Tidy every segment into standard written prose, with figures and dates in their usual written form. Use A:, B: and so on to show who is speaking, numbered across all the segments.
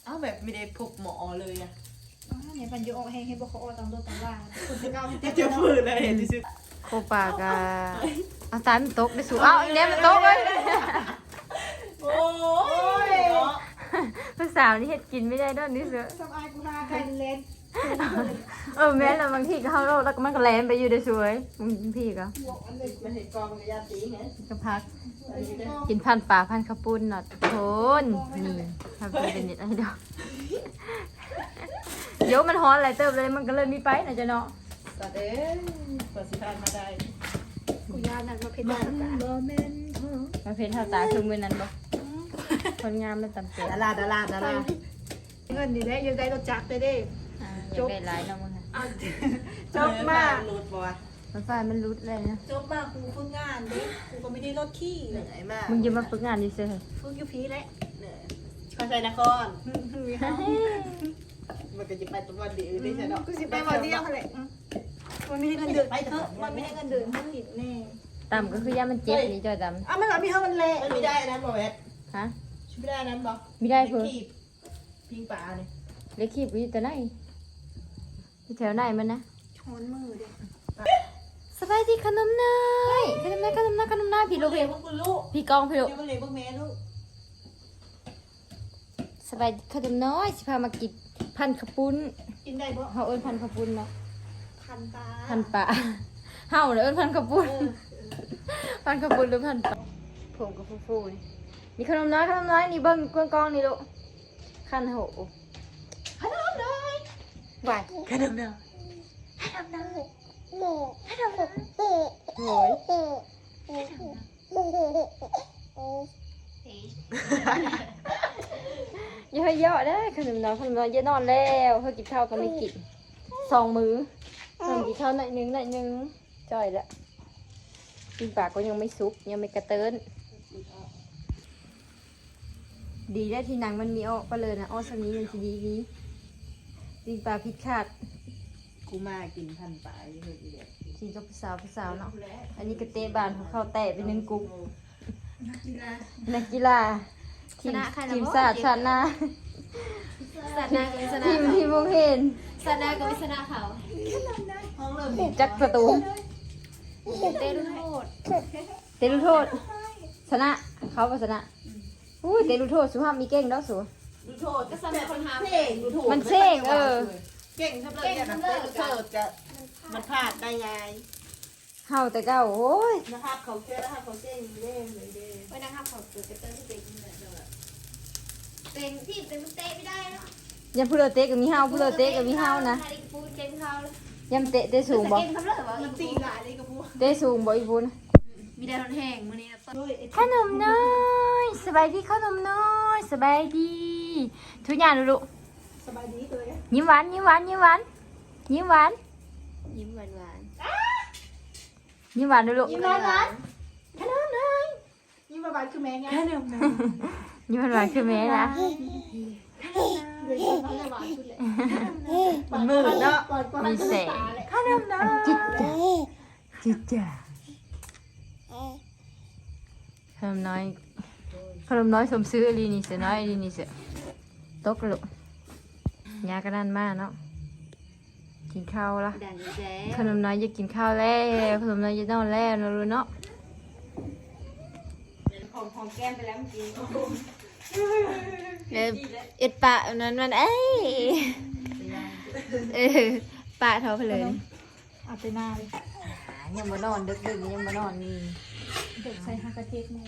A: อ้าวแบบไม่ได้พบหมอเลยอะ
B: เนี่ยมันอยู่ออกให้บอกเขาออกตามตัวตามล่างคุณจะก้าว
A: จะฝืนเลยเห็นที่สุด
C: โคปากาเอาตายมันตกได้สูเอาอีกแล้วมันตกเลย
A: โอ้ย
C: ภาษาวนี่เฮ็ดกินไม่ได้ด้วยนี่เสือ
B: สบายกูหาใครเล่น
C: แม่แล้วบางทีก็เข้าโลกแล้วก็มันก็แลนไปอยู่ได้สวยบางทีก็
A: มันเห็นกองกับยาตีไง
C: ก็พักกินพันป่าพันข้าวปุ้นเนาะโทนนี่ทำเป็นเน็ตไอดอลเดี๋ยวมันฮ้อนอะไรเติบเลยมันก็เลยมีไปนะจ๊ะเนาะ
A: ตัดเอ้ยกว่าสิพานมาได้
B: กูยานั่นมาเพชร
C: มาเพ้นเท่าตาคือมือนั้นบ่คนงามมันตำเตีย
A: ดารา
B: เงินนี่แหละยังได้รถจักรได้เด้
C: อยากได้หลายเนาะมึงค่ะ
B: จบมาก
A: รูดบัว
C: มันไฟมันรุดเลยนะ
B: จบมากกูฝึกงานเด้กูก็ไม่ได้รถขี้
A: เหนื่อยมาก
C: มึงจะมาฝึกงานดิเซ่
B: ฝึกอยู่พีแหละ
A: เหนื่อยเข้าใจนะครมันก็จะไปตัวดีได้ใช่เนาะ
B: กูสิไปวันเดียวแหละมันไม่ได้เงินเดือนมันไม่ได้เงินเดือนมันผิดแน่
C: ต่ำก็คือย่ามันเจ็บนี่จอยต่
B: อ้าวมันมีเท่ามันเละ
A: มันไม่ได้นะบอเวส
C: ำฮะ
A: ช่วยไม่ได้นั้นบอ
C: ไม่ได้เพื่อ
A: พิงป่าเนี่ย
C: เล็กขีบอยู่แต่ไหนอยู่แถวไหนมันนะ
B: ช้อนมือเด้
C: สบายดีขนมเนยขนมเนยพี่ลูก
A: เลี้ยงพวกคุณลูก
C: พี่กองพี่ลูก
A: เลี้ยงพวกแม่ลูก
C: สบายดีขนมน้อยสิพามากินพันขปุ้น
B: กินได้บ่
C: เฮาเอิ้นพันขปุ้นเนาะ
B: พันตา
C: พันปะเฮาเอิ้นพันขปุ้นพันขปุ้นหรือพันปะผมกับฟูๆนี่มีขนมน้อยนี่เบิ่งกองๆนี่ลูกขันโหขนมน้อยไหวขนมน้อยโอ้ยอย่าให้เยอะได้ขนมน้อยอย่านอนแล้วเฮากินข้าวก็ไม่กิน2 มื้อเพิ่นกินข้าวหน่อยนึงจ่อยละกินปากก็ยังไม่สุกยังไม่กระเติ้นดีได้ที่หนังมันมีออกไปเลยนะอ้อสมีมันสิดีกินปลาพิษขาด
A: กูมากินพันป่าอยู่เลย
C: กินกับผู้สาวเนาะอันนี้กระเตะบานของเขาแตะไป1 กุ๊กนักกีฬาทีมชาติชาติหน้า
D: สนากับวิสนา
C: ทีมวงเห็น
D: สนากับวิสนาเขา
A: ห้องเริ่ม
C: จักประตู
D: เต้นโทษ
C: เตะลูกโทษชนะเขาก็ชนะอุ้ยเตะลูกโทษสุภาพมีเก่งแล้วสู
A: ดูโทษ
D: ก็สำหรับคนหา
A: เพ่งดูถูก
C: มันเช่ง
A: เก่งทำเลยอย่างนั้นเสิร์ฟจะมันพลาดได้ไง
C: เฮาแต่เก้าโอ้ย
A: นะครับเขาเชื่อนะครับเขาเก่งเล่นเลยเด้
D: ไว้นะครับขอบคุณเต้นที่เต้นเต้นที่เต้นเตะไม่ได้เนาะ
C: ยังพูดเตะกับมีเฮาพูดเตะกับมีเฮานะ
D: ปูเก่งเขาเลย
C: ยังเตะสูงบ่
D: เก่งทำเลยว่า
A: มันตีหลายเลยกับพวก
C: เตะสูงบ่อีบุญ
D: มีได้ทนแห้งมื้อนี้นะต้น
C: ขนมน้อยสบายดีขนมน้อยสบายดีทุกอย่างดู
B: สบายดีเลย
C: ยิ้มหวานยิ้มหวานยิ้มหวานยิ้มหวาน
D: ยิ้มหวาน
C: ยิ้มหวานดูลูก
B: ยิ้มหวานขนมน้อยยิ้มหวานคือแม่ไงขนมน้อย
C: ยิ้มหวานคือแม่นะ
B: เดี๋ยวเขาจะหวานสุดเลย
A: มันมืดเนาะ
C: มีแสง
B: ขนมน้อย
C: จิตจ่าจิตจ่าขนมน้อยขนมน้อยสมซื้ออลีนี่เสือน้อยอลีนี่เสือตกลูกยากระด้านมากเนาะกินข้าวละ
D: ดังแจ๊
C: ขนมน้อยจะกินข้าวแล้วขนมน้อยจะนอนแล้วนะรู้เนาะ
A: ของแก้มไปแล้วเมื่อกี้
C: เอ็ดปะนั้นมันเอ้ยปะเท่าไปเลย
B: เอาไปหน้าเลย
C: ยังมานอนดึกๆยังมานอนนี่
B: เด็กใส่ฮากาเทสนี่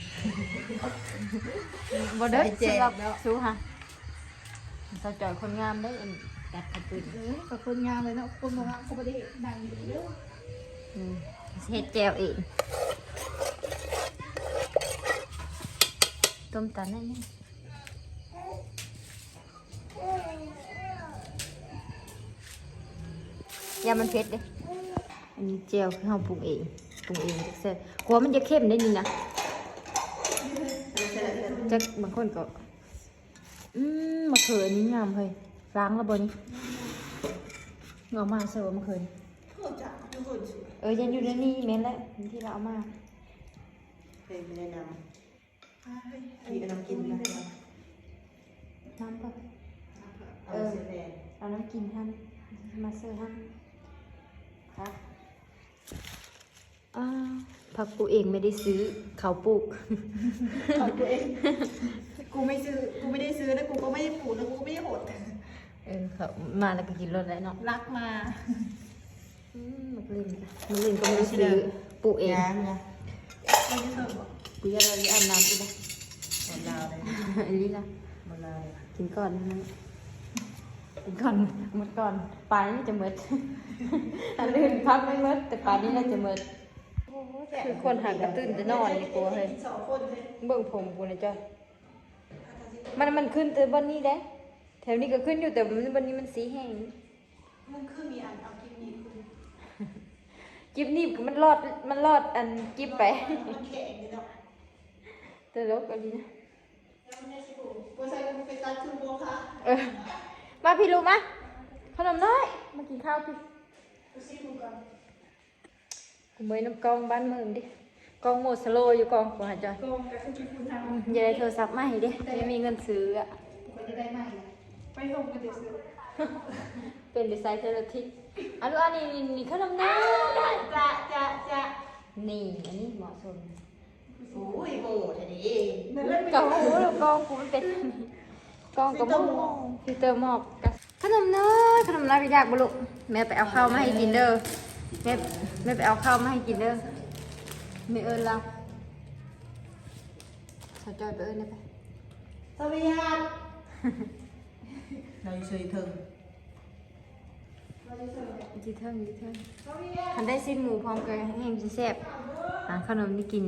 C: บ่เด้อสำหรับสู้ฮะสาวจอยคนงามได้อจัดขัดปืน
B: กับคนงานเลยเนาะคนบอกว่าเขาไม่ได้ดังอยู่เยอะ
C: เฮ็ดแจวเองต้มตันนั่นนี่ยามันเผ็ดเด้อันนี้แจวคือเฮาปรุงเองแซ่บกลัวมันจะเข้มได้นี่นะจักบางคนก็มะเขืออันนี้งามเฮ้ยล้างแล้วบ่นี่งอกมาเสิร์ฟมะเขือนี่ยังอยู่ในนี่แม่นแหละที่เราเอามา
A: เคยไม่ได้นำพี่ก็นำกินนะ
C: ฮน้ำเปล่า
A: เอาเสียแดง
C: เอาน้ำกินท่านมาเสิร์ฟท่านค่ะผักปลูกเองไม่ได้ซื้อเขาปลูก
B: เอาตัวเองกูไม่ได้ซื้อแล้วกูก็ไม่ได้ปลูกแล้วกูก็ไม่ได้หด
C: เขามาแล้วก็กินรสแล้วเนาะ
B: รักมา
C: มันเล่นก็ไม่ได้ซื้อปลูกเอง
A: ยางนะ
B: ไม่ได้เสิร์ฟบอก
C: กูจะเราอาบน้ำอีกนะ
A: หมดลาวเลย
C: อันนี้นะ
A: หมดลาว
C: กินก่อนนะกินก่อนหมดก่อนปลานี่จะหมด อันอื่นพักไม่หมดแต่ปลานี่น่าจะหมดคือคนหากระตื้นจะนอนนี่กลัวเลย
B: สองคนเลย
C: เบิ่งผมกูนะจ้ะมันขึ้นแต่วันนี้ได้แถวนี้ก็ขึ้นอยู่แต่วันนี้มันสีแห้ง
B: มันคือมีอันเอากินมีคือ
C: กิบนี่มันรอดอันกิบไป
B: มันแข็งเลยเนาะ
C: แต่ลกอันนี้นะ
B: แล้วมันได้สิกูกูใส่กูไปตัดคือโบค่ะ
C: มาพี่ลูกมาขนมน้อยมากินข้าวพี่
B: กูซิกูก่อน
C: กูเมยน้ำกองบ้านเมืองดิกองโมดสโลอยู่กองกูหาจอย
B: โกงกับคือคุณทำ
C: อย่าได้โทรศัพท์มาให้ดิไม่มีเงินซื้ออ่ะ
B: กูจะได้ไหมไปส่งกันเดี๋ยวซื้อ
C: เป็นดีไซน์เทเลทิกอันนี้ขนมน้อย
B: จะ
C: นี่อันนี้เหมาะสม
A: โอ้ยโหทีนี้
B: นั่นเล่น
C: กองหูกองกูมันเป็นกองกับหม้อฟิลเตอร์หมอกขนมน้อยพี่ดากบุลุแม่ไปเอาข้าวมาให้กินเด้อแม่ไปเอาข้าวมาให้กินเด้อไม่เอิญเราสาวจอยไปเอิญได้ไป
B: สวัสดีครับ
A: เราเฉยถึง
C: จีเทิงทันได้สิ้นหมูพร้อมกันแห้งจะแซ่บหาขนมนี่กิน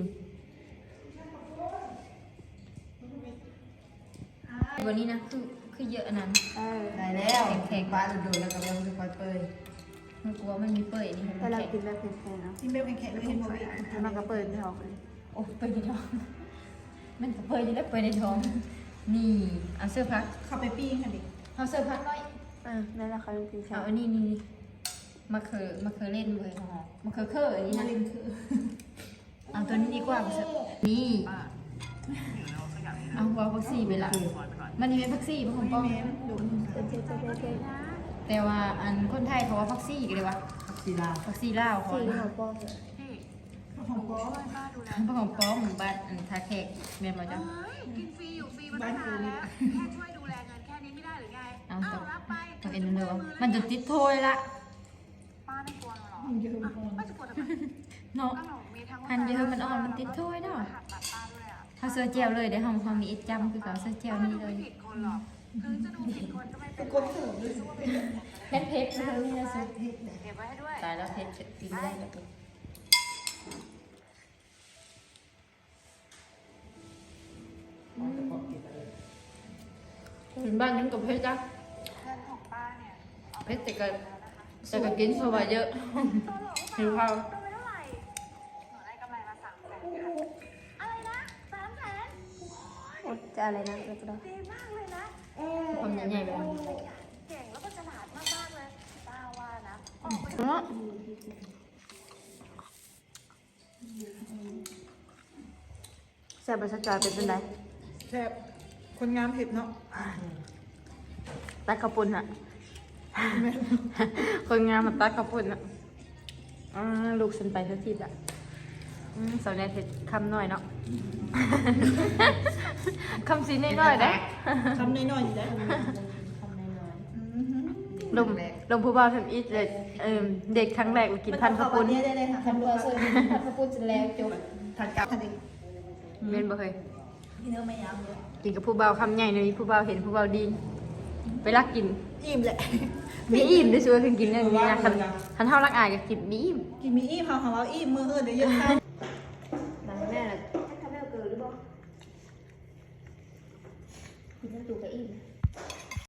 C: วันนี้นะคือเยอะอันนั้น
A: ได้แล้วแข็งบ้านดูแล้วก็ยังจะคอยเปย
C: มันกลัวมันมีเปื่อยนี่มัน
B: แต่เรา
C: แข็ง
B: กินแบบแข็งๆเนาะกินแบบแข็งๆไม่เห็นบ่มีแล้วมันก็เปิดไม่ออกเลย
C: โอ้เปื่อยในท้องมันก็เปื่อยอยู่แล้วเปื่อยในท้องนี่เอาเสื้อพัก
B: เข้าไปปิ้งค่ะดิ
C: เอาเสื้อพักหน่อย
B: นั่นแหละเขากิน
C: เอาอันนี้นี่มะเขือเล่นเลยมะเขือเคออันนี้นะ
B: ลิงคือ
C: เอาตัวนี้ดีกว่านี่เอาหัวพักซี่ไปละมันนี่เป็นพักซี่ของป้อง
B: ดู
C: แต่ว่าอันคนไทยเขาว่าพักซี่กันเลยวะ
A: สีลาว
C: พักซี่ลาวเขา
B: ของป้องของป้อง
C: พวกของป้องบ้านอันทาแขกเมียนมาจ้ะ
E: กินฟรีอยู่ฟรีมาตั้งนานแล้ว แค่ช่วยดูแลเงินแค่นี้ไม่ได้หรือไง
C: เอา
E: อ้าวรับไป
C: ต้องเอ็นเลยวะมันจะติดโทยละ
E: ป้าไม่กลัวหรอ
B: เยอะ
E: ป้าจะกลัวทำไม
C: เนาะ
E: ก็หนูมีทั้ง
C: หันเยอะมันอ่อนมันติดโทยเนาะ
E: หักตัดป้าด้วยอ่ะ
C: เขาเสื้อเจลเลยเดี๋ยวเขามีเอ็ดจำคือเขาเสื้อเจลนี่เลย
E: ไม่ผิดคนหรอกถึงจะดูผิดคนก็ไม่เป็น
B: กดเสริมด้วย
C: เพชรเลยนี่นะสุด
E: เก็บไว้ให้ด้วย
C: ตายแล้วเพชรกินไม่ได้แล้วถึงบ้านยังกับเพชรจ้ะ
E: เงินของป้าเนี่ย
C: เพชรแต่ก็กินเพราะว่าเยอะ หิวข้าว
E: ตัวไปเท่าไหร่หนูได้กำไรมา300,000ค่ะอะไรนะ300,000
B: จะอะไรนะเราจะได้
E: ดีมากเลยนะ
C: ความใหญ่ๆไปแล้ว
E: เก่งแล้วก็ฉลาดมากๆเลยป้าว่านะออกไป
B: แซ่บประจอยเป็นไรแซ่บคนงามเห็บเนาะ
C: ตัดข้าวปุ้นอะคนงานมาตัดข้าวปุ้นอะลูกฉันไปสักทีละสาวแนทเห็ดคำหน่อยเนาะ คำสีน้อยๆได้
B: ทำน้อยๆอยู่แล้ว
C: ลงผู้บ่าวทำอีทเลยเด็กครั้งแรกกินพันข้าวปุ้น
B: ได้เลยค่ะทำตัวเสริม
C: พันข้าวปุ้นจนแล้วจบ
B: ถัดกลับทันที
C: เมนบ่เคย
B: พี่เนื้อไม่ยำเลย
C: กินกับผู้บ่าวคำใหญ่เลยผู้บ่าวเห็นผู้บ่าวดีไปรักกิน
B: อิ่มแหละ
C: มีอิ่มได้ชัวร์คือกินอย่างนี้นะคันเท่ารักอายก็กินมีอิ่ม
B: กินมีอิ่มของเราอิ่มมือเดี๋ยวเยอะข้าว
C: แม่
D: ทำให้เราเกิดหรือเปล่ากินน้ำตูกับอิ่ม